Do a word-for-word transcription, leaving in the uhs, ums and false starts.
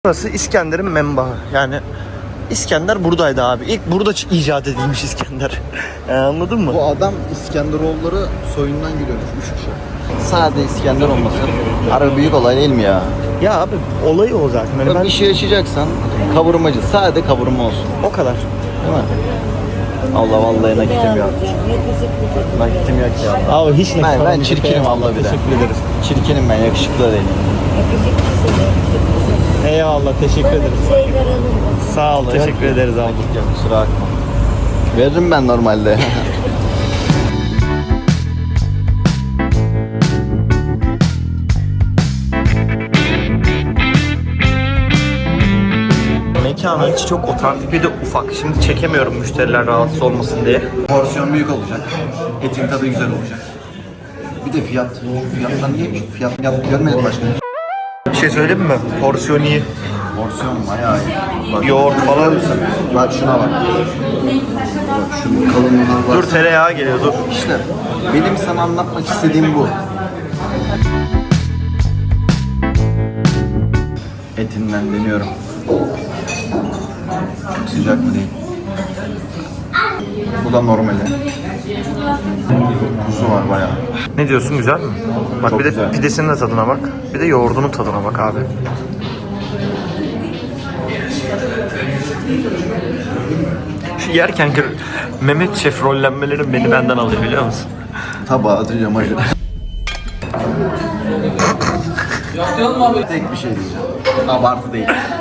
Burası İskender'in menbaı. Yani İskender buradaydı abi. İlk burada icat edilmiş İskender. e, anladın mı? Bu adam İskenderoğulları soyundan geliyormuş. Üç kişi. Sade İskender olması harbi büyük olay değil mi ya? Ya abi olayı o zaten. Yani ben Bir şey yaşayacaksan kavurmacı. Sade kavurma olsun. o kadar. Değil mi? Allah vallahi nakitim yok. Nakitim yok ya. Abi hiç ne Ben, ben çirkinim abla bir de. Teşekkür ederiz. Çirkinim ben, yakışıklı da değilim. Eyvallah, teşekkür ederiz. Sağ ol, teşekkür ederiz abi. Nakit yok, kusura bakma. Veririm ben normalde. Mekanın içi çok otantik, bir de ufak. Şimdi çekemiyorum müşteriler rahatsız olmasın diye. Porsiyon büyük olacak. Etin tadı güzel olacak. Bir de fiyat. Fiyatlar niyeymiş? Fiyat, fiyat görmedim başka. Bir şey söyleyeyim mi? Porsiyon iyi. Porsiyon bayağı iyi. Bak, Yoğurt falan. Bak şuna bak. Bak şunun kalınlığına bak. Dur, tereyağı geliyor, dur. İşte benim sana anlatmak istediğim bu. Etinden deniyorum. Çok sıcak mı değil? Bu da normali. Kuzu var bayağı. Ne diyorsun, güzel mi? Bak Çok bir de güzel. pidesinin de tadına bak. Bir de yoğurdunun tadına bak abi. Şu yerken ki Mehmet Şef rollenmelerin beni benden alıyor, biliyor musun? Tabağı atacağım ayrı. Tek bir şey diyeceğim. Abartı değil.